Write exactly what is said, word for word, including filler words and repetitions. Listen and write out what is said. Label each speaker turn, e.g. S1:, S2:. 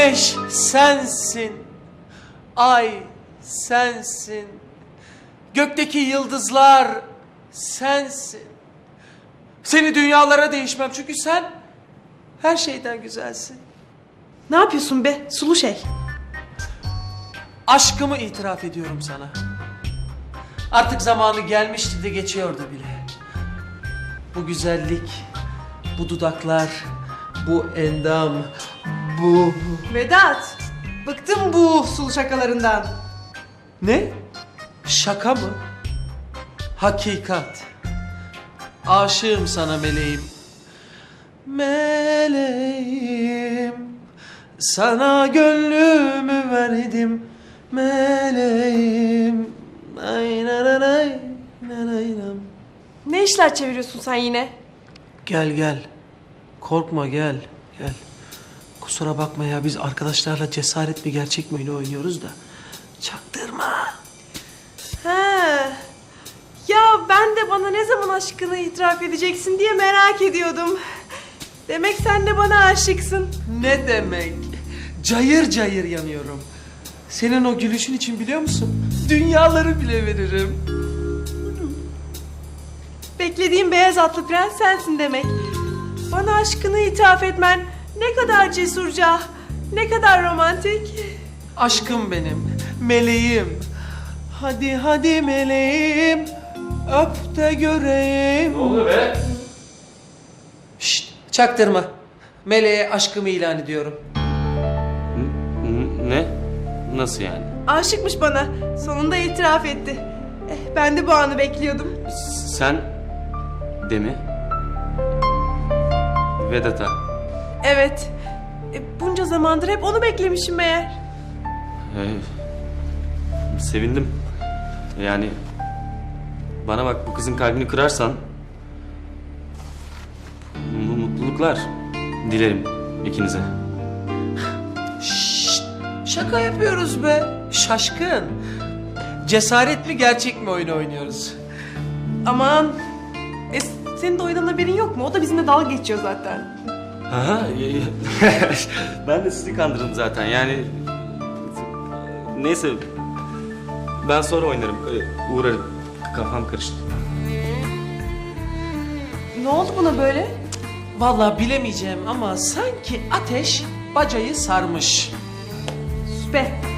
S1: Güneş sensin, ay sensin, gökteki yıldızlar sensin. Seni dünyalara değişmem çünkü sen her şeyden güzelsin.
S2: Ne yapıyorsun be sulu şey?
S1: Aşkımı itiraf ediyorum sana. Artık zamanı gelmişti de geçiyordu bile. Bu güzellik, bu dudaklar, bu endam, bu...
S2: Vedat, bıktım bu sulu şakalarından.
S1: Ne? Şaka mı? Hakikat. Aşığım sana meleğim. Meleğim, sana gönlümü verdim. Meleğim. Ay nanay, nanaylam.
S2: Ne işler çeviriyorsun sen yine?
S1: Gel gel. Korkma gel. Gel. Kusura bakma ya, biz arkadaşlarla cesaret mi gerçek mi oyunu oynuyoruz da. Çaktırma.
S2: He. Ya ben de bana ne zaman aşkını itiraf edeceksin diye merak ediyordum. Demek sen de bana aşıksın.
S1: Ne demek? Cayır cayır yanıyorum. Senin o gülüşün için biliyor musun? Dünyaları bile veririm.
S2: Beklediğim beyaz atlı prens sensin demek. Bana aşkını itiraf etmen ne kadar cesurca, ne kadar romantik.
S1: Aşkım benim, meleğim. Hadi hadi meleğim, öp de göreyim.
S3: Ne oluyor be?
S1: Şşt, çaktırma. Meleğe aşkımı ilan ediyorum.
S3: N- ne? Nasıl yani?
S2: Aşıkmış bana. Sonunda itiraf etti. Eh, ben de bu anı bekliyordum.
S3: Sen de mi? Vedat'a.
S2: Evet. E, bunca zamandır hep onu beklemişim meğer.
S3: Ee, sevindim. Yani bana bak, bu kızın kalbini kırarsan mu- mutluluklar dilerim ikinize.
S1: Şşt, şaka yapıyoruz be. Şaşkın. Cesaret mi gerçek mi oyunu oynuyoruz?
S2: Aman. E, senin de oyundan haberin yok mu? O da bizimle dalga geçiyor zaten.
S3: Ha, ben de sizi kandırdım zaten. Yani neyse, ben sonra oynarım. Öyle uğrarım. Kafam karıştı.
S2: Ne oldu buna böyle?
S1: Vallahi bilemeyeceğim ama sanki ateş bacayı sarmış.
S2: Sus be.